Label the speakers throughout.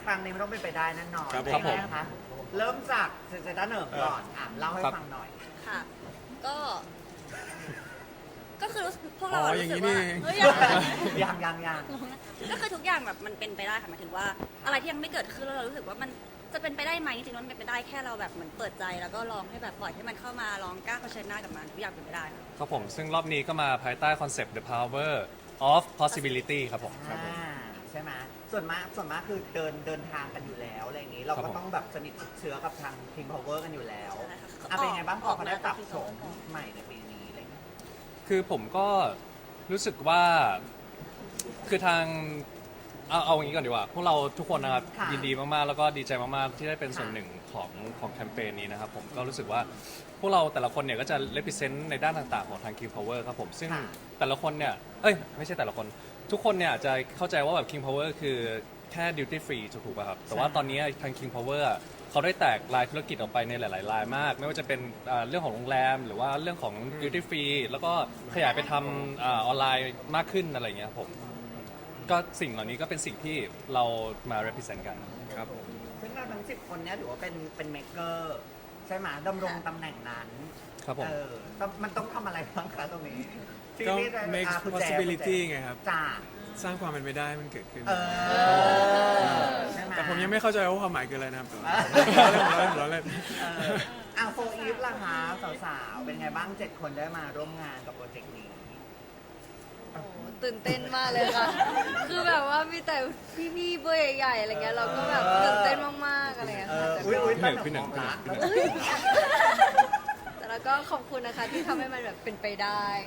Speaker 1: ครั้งนี้ไม่ต้องเป็นไปได้แน่นอน
Speaker 2: ครับผม
Speaker 1: นะคะเริ่มจากเซนเซต้าเหนิมก่อนเล่าให้ฟังหน่อย
Speaker 3: ค่ะ ก็คือพวกเรา
Speaker 2: อ๋อ
Speaker 3: รู้
Speaker 2: อย่าง
Speaker 3: สึ
Speaker 2: นี้
Speaker 3: ก
Speaker 2: นี่
Speaker 3: ว่า
Speaker 2: เอง
Speaker 3: เฮ้ย
Speaker 1: ยัง
Speaker 3: ก็คือทุกอย่างแบบมันเป็นไปได้ค่ะหมายถึงว่า อะไรที่ยังไม่เกิดขึ้นแล้วเรารู้สึกว่ามันจะเป็นไปได้ไหมจริงๆแล้วมันเป็นไปได้แค่เราแบบเหมือนเปิดใจแล้วก็ลองให้แบบปล่อยให้มันเข้ามาลองกล้าเผชิญหน้ากับมันทุกอย่างเป็นไปได้ค่ะ
Speaker 4: ครับผมซึ่งรอบนี้ก็มาภายใต้คอนเซปต์ The Power of Possibility ครับผม
Speaker 1: ใช่ไหมส่วนมากคือเดินทางกันอยู่แล้วอะไรอย่างนี้ เรา
Speaker 4: ครั
Speaker 1: ก็
Speaker 4: บผม
Speaker 1: ต้องแบบสนิทชิดเชื้อกับทาง King Power กันอยู่แล้ว
Speaker 3: ใช่ค่ะ
Speaker 1: เป็นไงบ้างพอเขาได้ปรับ
Speaker 3: ออกมา
Speaker 1: โฉมใหม่ในปีนี้อะไรอย่างเงี้ย
Speaker 4: คือผมก็รู้สึกว่าคือทางเอาอย่างนี้ก่อนดีกว่า พวกเราทุกคนนะครับ
Speaker 1: ค่ะ
Speaker 4: ยินดีมากๆ แล้วก็ดีใจมากๆ ที่ได้เป็นส่วนหนึ่งของแคมเปญนี้นะครับผมก็รู้สึกว่าพวกเราแต่ละคนเนี่ยก็จะ represent ในด้านต่างๆ ของทาง King Power ครับผมซึ่งแต่ละคนเนี่ยไม่ใช่แต่ละคนทุกคนเนี่ยอาจจะเข้าใจว่าแบบ King Power คือแค่ duty free ถูกป่ะครับแต่ว่าตอนนี้ทาง King Power เขาได้แตกรายธุรกิจออกไปในหลายๆรายมาก ไม่ว่าจะเป็นเรื่องของโรงแรม หรือว่าเรื่องของ duty free แล้วก็ขยายไปทำออนไลน์มากขึ้นอะไรอย่างเงี้ยครับผมก็สิ่งเหล่านี้ก็เป็นสิ่งที่เรามา represent กัน
Speaker 2: ครับผม
Speaker 1: ซึ่งเราทั้ง10 คนเนี้ยถือว่าเป็นเมกเกอร์ใช่ไหมดำรงตำแหน่งนั้น
Speaker 4: ครับผม
Speaker 1: มันต้องทำอะไรบ้างคะตรงนี้ที่
Speaker 2: ก็
Speaker 1: ที่จะ
Speaker 2: make
Speaker 1: คุณแจ
Speaker 2: possibility ไงครับ
Speaker 1: จ้า
Speaker 2: สร้างความเป็นไปได้ให้มันเกิดขึ้น
Speaker 1: ใช่ไหม
Speaker 2: แต่ผมยังไม่เข้าใจว่าความหมายคืออะไรนะครับล้อเล่น
Speaker 1: โฟอีฟล่ะคะสาวๆ เป็นไงบ้าง 7 คนได้มาร่วมงานกับโปรเจกต์นี้
Speaker 5: โอ้โหตื่นเต้นมากเลยค่ะ คือแบบว่ามีแต่พี่ๆเบอร์ใหญ่ๆอะไรเงี้ย เราก็แบบตื่นเต้นมากๆอะไรเงี้ยค่ะแต่ก็
Speaker 4: พี่หนึ่ง
Speaker 5: แต่เราก็ขอบคุณนะคะที่ทำให้มันแบบเป็นไปได้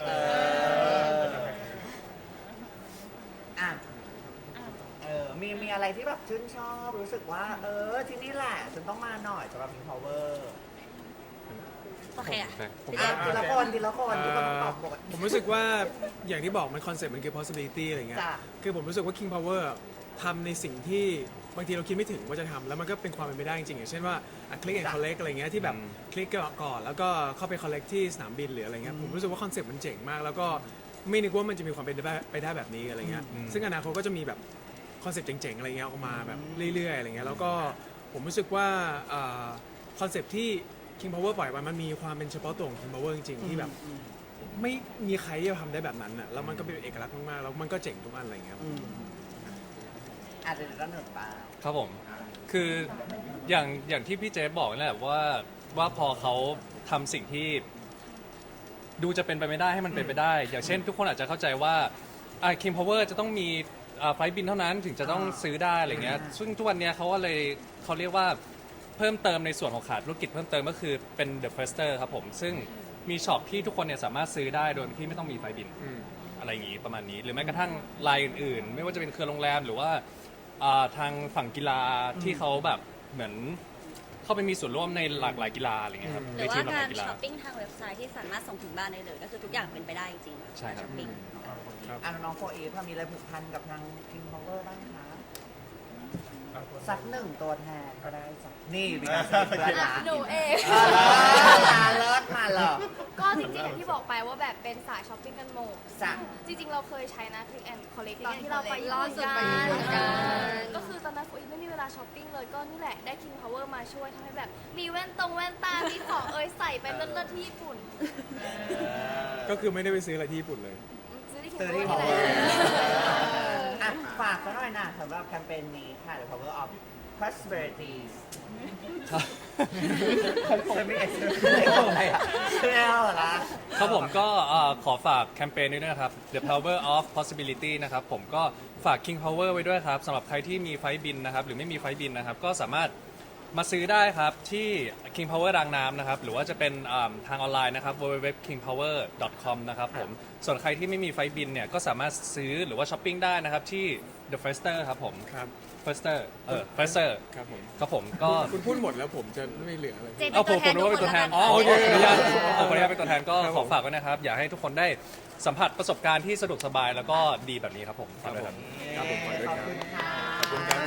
Speaker 1: มีอะไรที่แบบชื่นชอบรู้สึกว่า ที่นี่แหละฉันต้องมาหน่อยสำหรับ King Power
Speaker 3: โอเคอ่ะ
Speaker 2: ผม
Speaker 1: ทีละคนทุกคนต้องตอบบท
Speaker 2: ผมรู้สึกว่าอย่างที่บอกมันคอนเซ็ปต์มันคือ possibility อะไรเงี้ย
Speaker 1: จ้ะ
Speaker 2: คือผมรู้สึกว่า King Power ทำในสิ่งที่บางทีเราคิดไม่ถึงว่าจะทำแล้วมันก็เป็นความเป็นไปได้จริงๆอย่างเช่นว่าคลิกแอนด์คอลเลกอะไรเงี้ยที่แบบคลิกก่อนแล้วก็เข้าไปคอลเลกที่สนามบินหรืออะไรเงี้ยผมรู้สึกว่าคอนเซ็ปต์มันเจ๋งมาก แล้วก็ไม่นึกว่ามันจะมีความเป็นไปได้แบบนี้อะไรเงี้ยซึ่งอนาคตก็จะมีแบบคอนเซ็ปต์เจ๋งๆอะไรเงี้ยออกมาแบบเรื่อยๆอะไรเงี้ยแล้วก็ผมรู้สึกว่าคอนเซ็ปต์ที่ King Power ปล่อยมามันมีความเป็นเฉพาะตัวของ King Power จริงๆที่แบบไม่มีใครที่จะทำได้แบบนั้นอ่ะแล้วมันก็เป็นเอกลักษณ์มากๆแล้วมันก็เจ๋งทุกอันอะไรเงี้ย
Speaker 1: อาจจะด้านหนึ่งป่า
Speaker 4: ครับผม คืออย่างที่พี่เจฟบอกนั่นแหละว่าพอเขาทำสิ่งที่ดูจะเป็นไปไม่ได้ให้มันเป็นไปได้ อย่างเช่น ทุกคนอาจจะเข้าใจว่าKing Power จะต้องมีไฟล์บินเท่านั้นถึงจะต้องซื้อได้อะไรเงี้ยซึ่งทุกวันเนี้ยเขาเรียกว่าเพิ่มเติมในส่วนของขาดธุรกิจเพิ่มเติมก็คือเป็น The Firster ครับผมซึ่งมีช็อปที่ทุกคนเนี่ยสามารถซื้อได้โดยที่ไม่ต้องมีไฟล์บิน อะไรอย่างนี้ประมาณนี้หรือแม้กระทั่งรายอื่นๆ ไม่ว่าจะเป็นเครือโรงแรมหรือว่าทางฝั่งกีฬาที่เขาแบบเหมือนเข้าไปมีส่วนร่วมในหลากหลายกีฬาอะไรเงี้ยครับ
Speaker 3: ห
Speaker 4: ใน
Speaker 3: รือ
Speaker 4: ที
Speaker 3: ว่าม
Speaker 4: หลากห
Speaker 3: กา
Speaker 4: ลาร ยกีฬา
Speaker 3: ช้อปปิ้งทางเว็บไซต์ที่สามารถส่งถึงบ้านได้เลยก็คือทุกอย่างเป็นไปได้จริงๆ
Speaker 4: ใช่ครับ
Speaker 3: ช้อปปิ้ง
Speaker 1: น้องโฟอีฟมีอะไรผูกพันกับทาง King Power บ้างคะสักหนึ่งตัวแทนก็ได้จ้ะนี่มีการสนิทเพื่อนนะ
Speaker 5: หนูเอง
Speaker 1: เลิศมาเหรอ
Speaker 5: ก็จริงๆอย่างที่บอกไปว่าแบบเป็นสายช้อปปิ้งกันหมด
Speaker 1: จ้ะ
Speaker 5: จริงๆ เราเคยใช้นะ Click and Collect ตอนที่เราไป
Speaker 6: ล่าสุดไปญี่ปุ่น
Speaker 5: ก็คือตอนนั้นโฟอีไม่มีเวลาช้อปปิ้งเลยก็นี่แหละได้ King Power มาช่วยทำให้แบบ มีแว่นตา มีของใส่ไปเลิศๆที่ญี่ปุ่น
Speaker 2: ก็คือไม่ได้ไปซื้ออะไรที่ญี่ปุ่นเลย
Speaker 5: ซื้อที่
Speaker 1: ซื้อ
Speaker 5: King
Speaker 1: ที่
Speaker 5: Power
Speaker 1: พ
Speaker 5: นี่
Speaker 1: อ
Speaker 5: แหละ
Speaker 1: ฝากซะหน่อยนะสำหรับแคมเปญนี้ค่ะ The Power of Prosperity จะมีอะไรอ่ะไม่เอาเหรอคะ
Speaker 4: ครับผมก็ขอฝากแคมเปญนี้ด้วยนะครับ The Power of Possibility นะครับผมก็ฝาก King Power ไว้ด้วยครับสำหรับใครที่มีไฟล์บินนะครับหรือไม่มีไฟล์บินนะครับก็สามารถมาซื้อได้ครับที่ King Power รางน้ำนะครับหรือว่าจะเป็นทางออนไลน์นะครับ www.kingpower.com นะครับผมส่วนใครที่ไม่มีไฟล์บินเนี่ยก็สามารถซื้อหรือว่าช้อปปิ้งได้นะครับที่ The Firster ครับผม
Speaker 2: ครับ
Speaker 4: Firster Firster
Speaker 2: ครับผม
Speaker 4: ครับผมก็
Speaker 2: คุณพูดหมดแล้วผมจะไม่เหลืออะไร
Speaker 3: เจน
Speaker 4: เอา
Speaker 3: เป็น
Speaker 4: ผม
Speaker 3: ตัวแทน
Speaker 4: นึกว่าเป็นตัวแทน
Speaker 3: ทุกคน
Speaker 2: โอเค
Speaker 4: ขออนุญาตเป็นตัวแทนก็
Speaker 2: ครับ
Speaker 4: ข
Speaker 2: ผ
Speaker 4: อ
Speaker 2: ม
Speaker 4: ฝากไว้นะครับ อยากให้ทุกคนได้สัมผัสประสบการณ์ที่สะดวกสบายแล้วก็ดีแบบนี้ครับผมฝากด้วยครับ
Speaker 2: ครับผมขอด้วย
Speaker 1: ขอบ
Speaker 2: ครับ
Speaker 1: คุณค่ะ
Speaker 2: ขอบคุณครับ